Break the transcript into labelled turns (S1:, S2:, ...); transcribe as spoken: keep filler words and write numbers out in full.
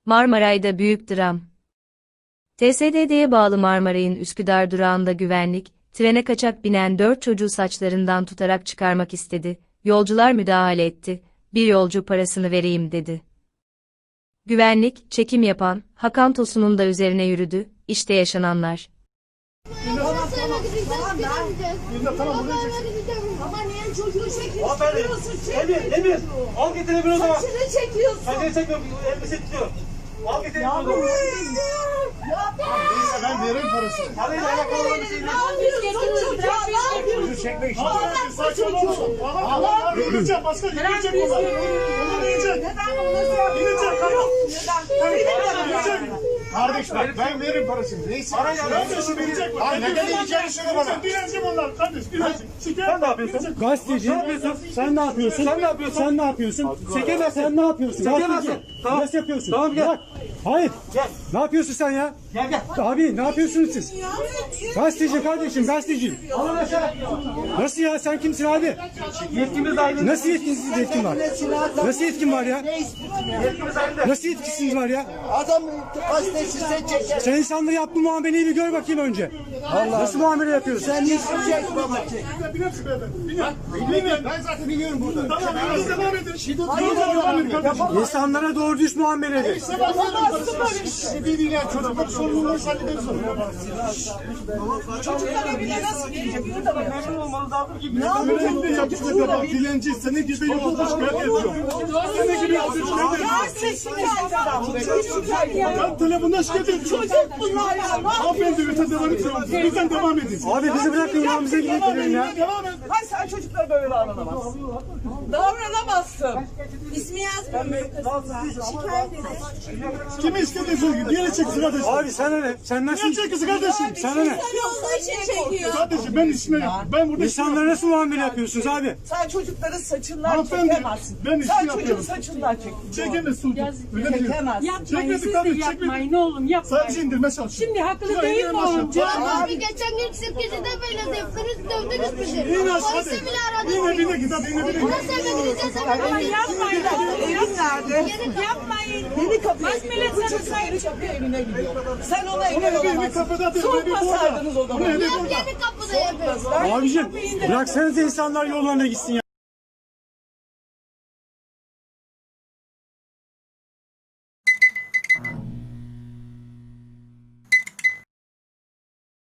S1: Marmaray'da büyük dram. T S D D'ye bağlı Marmaray'ın Üsküdar durağında güvenlik, trene kaçak binen dört çocuğu saçlarından tutarak çıkarmak istedi. Yolcular müdahale etti. Bir yolcu parasını vereyim dedi. Güvenlik, çekim yapan, Hakan Tosun'un da üzerine yürüdü. İşte yaşananlar.
S2: Tamam tamam. Tamam ben. Tamam buraya çeksin. Ama niye çocuğu çekiyorsun?
S3: Emir, Emir. Al getir Emir o zaman.
S2: Saçını çekiyorsun.
S3: Saçını çekmiyorum. Elbise tutuyor. Al getir Emir o zaman.
S4: Neyse ben veririm parasını.
S3: Parayla alakalı olan bir şey değil.
S2: Ne yapıyorsun çocuğa? Ne yapıyorsun?
S4: Çekme işini. Saçmalamasın. Allah yiyecek başka yiyecek onlar. Onlar yiyecek.
S2: Neden bunu
S4: Yiyecek hayır.
S2: Neden?
S4: Yiyecek. Kardeş bak ben veririm parasını. Neyse.
S3: Parayla
S4: Kardeşim verecek mi? Hayır neden yiyeceğini söyle bana. Dilenci bunlar kardeş dilenci.
S3: Sen ne yapıyorsun?
S5: Gazeteci.
S3: Ne yapıyorsun?
S5: Sen ne yapıyorsun?
S3: Sen ne yapıyorsun?
S5: Sen ne yapıyorsun?
S3: Çekemezsin.
S5: Sen ne yapıyorsun?
S3: Çekemezsin.
S5: Gazeteci.
S3: Tamam.
S5: Nasıl yapıyorsun?
S3: Tamam, gel.
S5: Bırak. Hayır.
S3: Gel.
S5: Ne yapıyorsun sen ya?
S3: Gel gel.
S5: Abi ne yapıyorsunuz siz? Gazeteci kardeşim, gazeteci.
S3: Alın aşağı.
S5: Nasıl ya? Sen kimsin abi?
S3: Yetkimiz dahilinde.
S5: Nasıl yetkisiz yetkin var? Nasıl yetkin var ya?
S3: Yetkimiz dahilinde.
S5: Nasıl yetkisiniz var ya?
S6: Adam gazetesi sen çeker.
S5: Sen insanlara yaptığın muameleyi bir gör bakayım önce. Allah. Nasıl muamele yapıyorsun?
S6: Sen hiç çek baba çek.
S4: Binersin beyefendi. Biner. Biner. Ben zaten biliyorum burada. Tamam biraz devam edin. Şiddet devam edin kardeşim.
S5: İnsanlara doğru düz muamele edin.
S4: Yapamazsın böyle. Sizi değil yani çocuklar sorumluluğu hallederiz.
S2: Çocuklar evine nasıl gelecek? Burada bak.
S3: Memnun olmanız lazım ki.
S4: Ne yapıyorsun? Yapacak yapan dilenci senin gibi yolda şikayet ediyor. Senin gibi yolda şikayet ediyor. Ben telefonda şikayet ediyorum.
S2: Çocuk bunlar ya.
S4: Hanımefendi lütfen devam edin. Lütfen devam edin.
S5: Abi bizi bırakın yolumuza gidelim ya.
S4: Devam et.
S2: Hayır sen çocuklara böyle davranamazsın. Davranamazsın. İsmi yazmıyor. Şikayet edin.
S4: Kimi istediyorsun? Diğeri çeksin kardeşim.
S5: Abi sana ne? Sen nasıl?
S4: Niye çekilsin kardeşim?
S5: Sana ne?
S2: Yolda için çekiyor.
S4: Kardeşim ben işime yapıyorum. Ben burada işime
S5: İnsanlara nasıl muamele yapıyorsunuz abi?
S2: Sen çocukların saçından
S4: Hanımefendi,
S2: çekemezsin.
S4: ben işi
S2: Sen çocuğun
S4: yapıyorum.
S2: saçından çek.
S4: çekemez sultan. Öyle mi diyor?
S2: Çekemezsin.
S7: Yapmayın,
S4: Çekmedik
S7: siz de
S4: kardeşim,
S7: yapmayın
S4: çekmedik.
S7: ne oğlum yapmayın.
S4: Sadece indirme çalışıyor.
S7: Şimdi haklı
S4: Ya,
S7: değil
S4: indirme
S7: mi oğlum?
S4: çalışıyor.
S8: Abi geçen gün sekizde böyle dövdünüz, dövdünüz bizi.
S4: İn aşağı
S8: Polise
S4: hadi.
S8: bile aradık.
S4: Yine bine git hadi yine bine git.
S8: Nasıl eve gideceğiz?
S7: Ama yapmayın oğlum
S2: Evin nerede?
S7: yapmayın.
S2: Yeni kapıya
S7: Bak
S2: gidiyor.
S7: millet
S2: Bu
S7: sana
S2: çocuk
S7: say-
S2: yeni kapıya evine gidiyor. Sen ona
S4: Onu
S2: engel
S4: evi bir
S2: olamazsın.
S4: kapıda değil, evi burada.
S2: Sokmasaydınız o
S4: Onu
S2: zaman.
S4: evi
S8: Hep
S4: burada.
S8: yeni kapıda yapıyoruz.
S5: Abicim bıraksanıza insanlar yollarına gitsin ya.